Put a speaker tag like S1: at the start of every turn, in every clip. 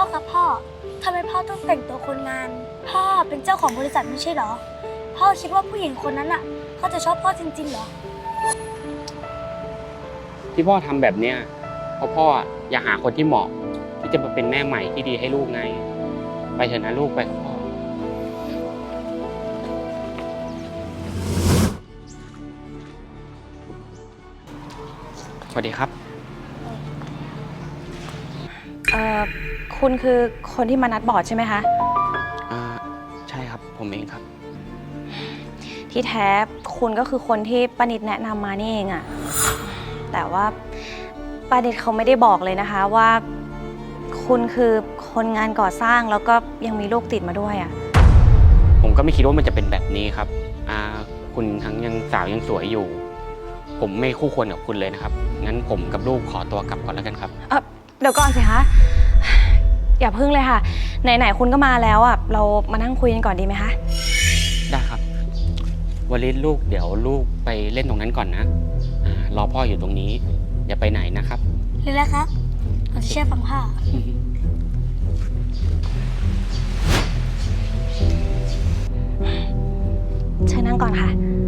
S1: ครับพ่อทำไมพ่อต้องแต่งตัวคนงานพ่อเป็นเจ้าของบริษัทไม่ใช่เหรอพ่อคิดว่าผู้หญิงคนนั้นอ่ะเขาจะชอบพ่อจริงๆเหรอ
S2: ที่พ่อทำแบบเนี้ยเพราะพ่ออยากหาคนที่เหมาะที่จะมาเป็นแม่ใหม่ที่ดีให้ลูกไงไปเถอะนะลูกไปกับพ่อสวัสดีครับ
S3: คุณคือคนที่มานัดบอร์ดใช่ไหมคะ
S2: ใช่ครับผมเองครับ
S3: ที่แท้คุณก็คือคนที่ป้านิดแนะนำมานี่เองอะแต่ว่าป้านิดเขาไม่ได้บอกเลยนะคะว่าคุณคือคนงานก่อสร้างแล้วก็ยังมีลูกติดมาด้วยอะ
S2: ผมก็ไม่คิดว่ามันจะเป็นแบบนี้ครับคุณทั้งยังสาวยังสวยอยู่ผมไม่คู่ควรกับคุณเลยนะครับงั้นผมกับลูกขอตัวกลับก่อนแล้วกันครับ
S3: เดี๋ยวก่อนสิคะอย่าพึ่งเลยค่ะไหนๆคุณก็มาแล้วอ่ะเรามานั่งคุยกันก่อนดีไหมคะ
S2: ได้ครับวลิศลูกเดี๋ยวลูกไปเล่นตรงนั้นก่อนนะรอพ่ออยู่ตรงนี้อย่าไปไหนนะครับ
S1: เลยแล้วครับเราจะเชื่อฟังพ่อ
S3: เชิญนั่งก่อนค่ะ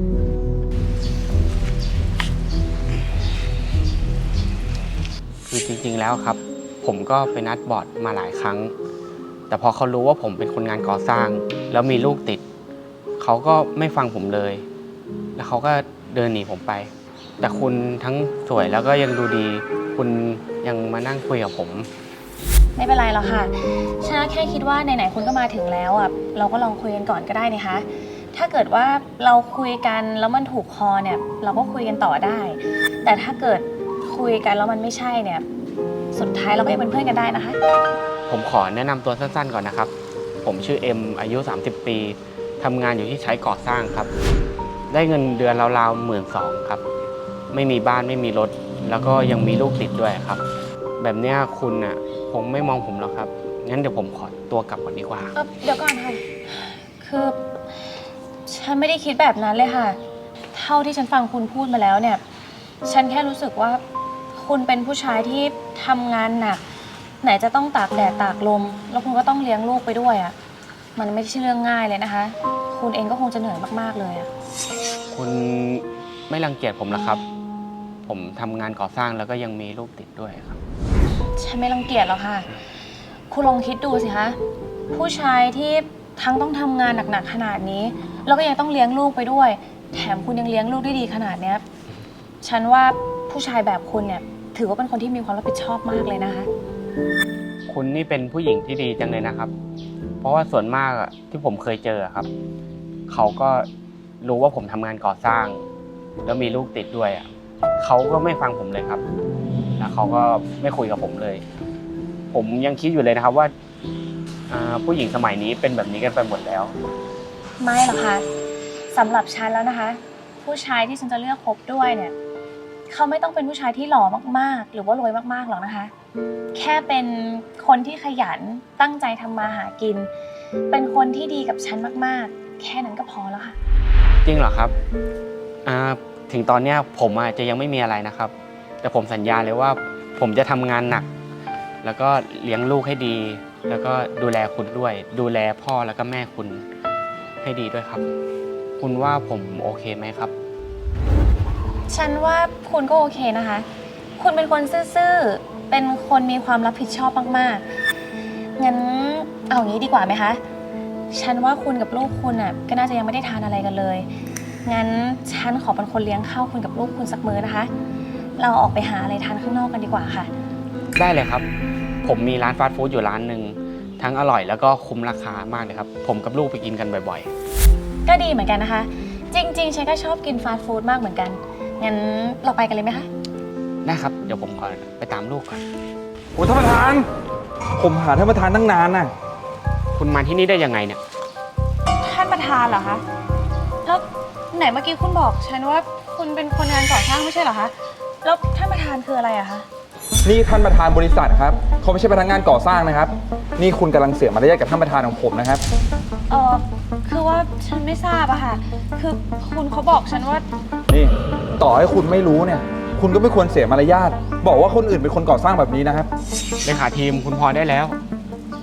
S2: คือจริงๆแล้วครับผมก็ไปนัดบอร์ดมาหลายครั้งแต่พอเขารู้ว่าผมเป็นคนงานก่อสร้างแล้วมีลูกติดเขาก็ไม่ฟังผมเลยแล้วเขาก็เดินหนีผมไปแต่คุณทั้งสวยแล้วก็ยังดูดีคุณยังมานั่งคุยกับผม
S3: ไม่เป็นไรหรอกค่ะฉันแค่คิดว่าไหนๆคุณก็มาถึงแล้วอ่ะเราก็ลองคุยกันก่อนก็ได้นะคะถ้าเกิดว่าเราคุยกันแล้วมันถูกคอเนี่ยเราก็คุยกันต่อได้แต่ถ้าเกิดคุยกันแล้วมันไม่ใช่เนี่ยสุดท้ายเราก็ยังเป็นเพื่อนกันได้นะคะ
S2: ผมขอแนะนำตัวสั้นๆก่อนนะครับผมชื่อเอ็มอายุ30 ปีทำงานอยู่ที่ใช้ก่อสร้างครับได้เงินเดือนราวๆ12,000ครับไม่มีบ้านไม่มีรถแล้วก็ยังมีลูกติดด้วยครับแบบเนี้ยคุณอ่ะคงไม่มองผมหรอกครับงั้นเดี๋ยวผมขอตัวกลับก่อนดีกว่า
S3: เดี๋ยวก่อนค่ะคือฉันไม่ได้คิดแบบนั้นเลยค่ะเท่าที่ฉันฟังคุณพูดมาแล้วเนี่ยฉันแค่รู้สึกว่าคุณเป็นผู้ชายที่ทำงานหนักไหนจะต้องตากแดดตากลมแล้วคุณก็ต้องเลี้ยงลูกไปด้วยอ่ะมันไม่ใช่เรื่องง่ายเลยนะคะคุณเองก็คงจะเหนื่อยมากๆเลยอ่ะ
S2: คุณไม่รังเกียจผมหรอครับผมทำงานก่อสร้างแล้วก็ยังมีลูกติดด้วยครับ
S3: ฉันไม่รังเกียจหรอกค่ะคุณลองคิดดูสิคะผู้ชายที่ทั้งต้องทำงานหนักๆขนาดนี้แล้วก็ยังต้องเลี้ยงลูกไปด้วยแถมคุณยังเลี้ยงลูกได้ดีขนาดเนี้ยฉันว่าผู้ชายแบบคุณเนี่ยถือว่าเป็นคนที่มีความรับผิดชอบมากเลยนะคะ
S2: คุณนี่เป็นผู้หญิงที่ดีจังเลยนะครับเพราะว่าส่วนมากที่ผมเคยเจอครับเขาก็รู้ว่าผมทำงานก่อสร้างแล้วมีลูกติดด้วยเขาก็ไม่ฟังผมเลยครับแล้วเขาก็ไม่คุยกับผมเลยผมยังคิดอยู่เลยนะครับว่าผู้หญิงสมัยนี้เป็นแบบนี้กันไปหมดแล้ว
S3: ไม่หรอกค่ะสำหรับฉันแล้วนะคะผู้ชายที่ฉันจะเลือกคบด้วยเนี่ยเขาไม่ต้องเป็นผู้ชายที่หล่อมากๆหรือว่ารวยมากๆหรอกนะคะแค่เป็นคนที่ขยันตั้งใจทำมาหากินเป็นคนที่ดีกับฉันมากๆแค่นั้นก็พอแล้วค่ะ
S2: จริงเหรอครับถึงตอนนี้ผมจะยังไม่มีอะไรนะครับแต่ผมสัญญาเลยว่าผมจะทำงานหนักแล้วก็เลี้ยงลูกให้ดีแล้วก็ดูแลคุณด้วยดูแลพ่อแล้วก็แม่คุณให้ดีด้วยครับคุณว่าผมโอเคไหมครับ
S3: ฉันว่าคุณก็โอเคนะคะคุณเป็นคนซื่อๆเป็นคนมีความรับผิดชอบมากๆงั้นเอางี้ดีกว่าไหมคะฉันว่าคุณกับลูกคุณก็น่าจะยังไม่ได้ทานอะไรกันเลยงั้นฉันขอเป็นคนเลี้ยงข้าวคุณกับลูกคุณสักมื้อนะคะเราออกไปหาอะไรทานข้างนอกกันดีกว่าค่ะ
S2: ได้เลยครับผมมีร้านฟาสต์ฟู้ดอยู่ร้านหนึ่งทั้งอร่อยแล้วก็คุ้มราคามากเลยครับผมกับลูกไปกินกันบ่อย
S3: ๆก็ดีเหมือนกันนะคะจริงๆฉันก็ชอบกินฟาสต์ฟู้ดมากเหมือนกันงั้นเราไปกันเลยไหมคะ
S2: ได้ครับเดี๋ยวผมขอไปตามลูกก่อน
S4: โอ้ท่านประธานผมหาท่านประธานตั้งนานน่ะ
S2: คุณมาที่นี่ได้ยังไงเนี่ย
S3: ท่านประธานเหรอคะแล้วไหนเมื่อกี้คุณบอกฉันว่าคุณเป็นคนงานก่อสร้างไม่ใช่เหรอคะแล้วท่านประธานคืออะไรอะคะ
S4: นี่ท่านประธานบริษัทครับเขาไม่ใช่พนักงานก่อสร้างนะครับนี่คุณกำลังเสียมารยาทกับท่านประธานของผมนะครับ
S3: คือว่าฉันไม่ทราบอะค่ะคือคุณเขาบอกฉันว่า
S4: นี่ต่อให้คุณไม่รู้เนี่ยคุณก็ไม่ควรเสียมารยาทบอกว่าคนอื่นเป็นคนก่อสร้างแบบนี้นะครับ
S2: เลขาทีมคุณพอได้แล้ว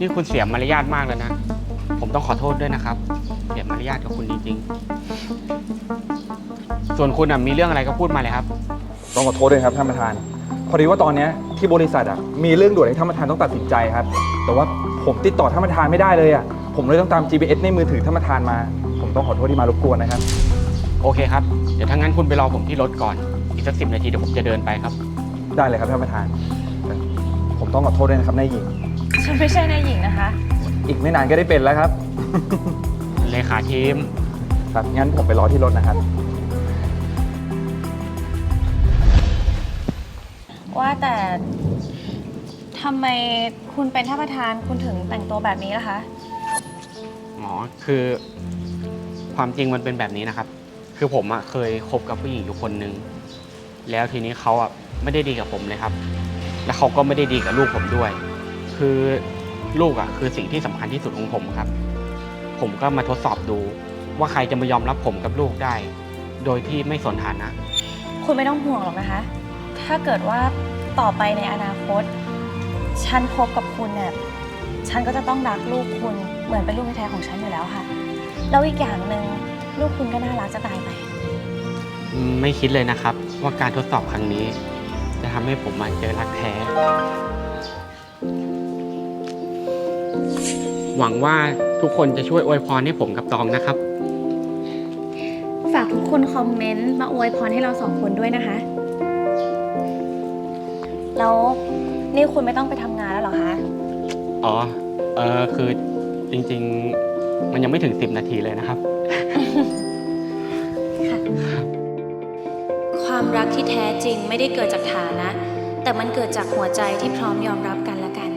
S2: นี่คุณเสียมารยาทมากแล้วนะ ผมต้องขอโทษด้วยนะครับ เสียมารยาทกับคุณจริงๆ ส่วนคุณมีเรื่องอะไรก็พูดมาเลยครับ
S4: ต้องขอโทษด้วยครับท่านประธาน พอดีว่าตอนเนี้ยที่บริษัทมีเรื่องด่วนให้ท่านประธานต้องตัดสินใจครับ แต่ว่าผมติดต่อท่านประธานไม่ได้เลยผมเลยต้องตาม GPS ในมือถือท่านประธานมา ผมต้องขอโทษที่มารบกวนนะครับ
S2: โอเคครับ เดี๋ยวถ้างั้นคุณไปรอผมที่รถก่อน อีกสัก10 นาทีเดี๋ยวผมจะเดินไปครับ
S4: ได้เลยครับท่านประธานแต่ผมต้องขอโทษด้วยนะครับนายหญิง
S3: ฉันไม่ใช่นายหญิงนะคะ
S4: อีกไม่นานก็ได้เป็นแล้วครับ
S2: เลขาทีม
S4: ครับงั้นผมไปรอที่รถนะครับ
S3: ว่าแต่ทำไมคุณเป็นท่านประธานคุณถึงแต่งตัวแบบนี้ล่ะคะ
S2: อ๋อ คือความจริงมันเป็นแบบนี้นะครับ คือผมเคยคบกับผู้หญิงอยู่คนนึง แล้วทีนี้เขาไม่ได้ดีกับผมเลยครับ แล้วเขาก็ไม่ได้ดีกับลูกผมด้วย คือลูกคือสิ่งที่สำคัญที่สุดของผมครับ ผมก็มาทดสอบดูว่าใครจะมายอมรับผมกับลูกได้ โดยที่ไม่สนฐานะ
S3: คุณไม่ต้องห่วงหรอกนะคะ ถ้าเกิดว่าต่อไปในอนาคต ฉันคบกับคุณเนี่ย ฉันก็จะต้องรักลูกคุณเหมือนเป็นลูกแท้ๆของฉันอยู่แล้วค่ะ แล้วอีกอย่างหนึ่งลูกคุณก็น่ารักจะตายไป
S2: ไม่คิดเลยนะครับ ว่าการทดสอบครั้งนี้ จะทำให้ผมเจอรักแท้ หวังว่าทุกคนจะช่วยอวยพรให้ผมกับตองนะครับ
S3: ฝากทุกคนคอมเมนต์มาอวยพรให้เราสองคนด้วยนะคะ แล้วนี่คุณไม่ต้องไปทำงานแล้วเหรอคะ
S2: อ๋อ คือจริงๆ มันยังไม่ถึง10 นาทีเลยนะครับ
S5: ความรักที่แท้จริงไม่ได้เกิดจากฐานะ แต่มันเกิดจากหัวใจที่พร้อมยอมรับกันและกัน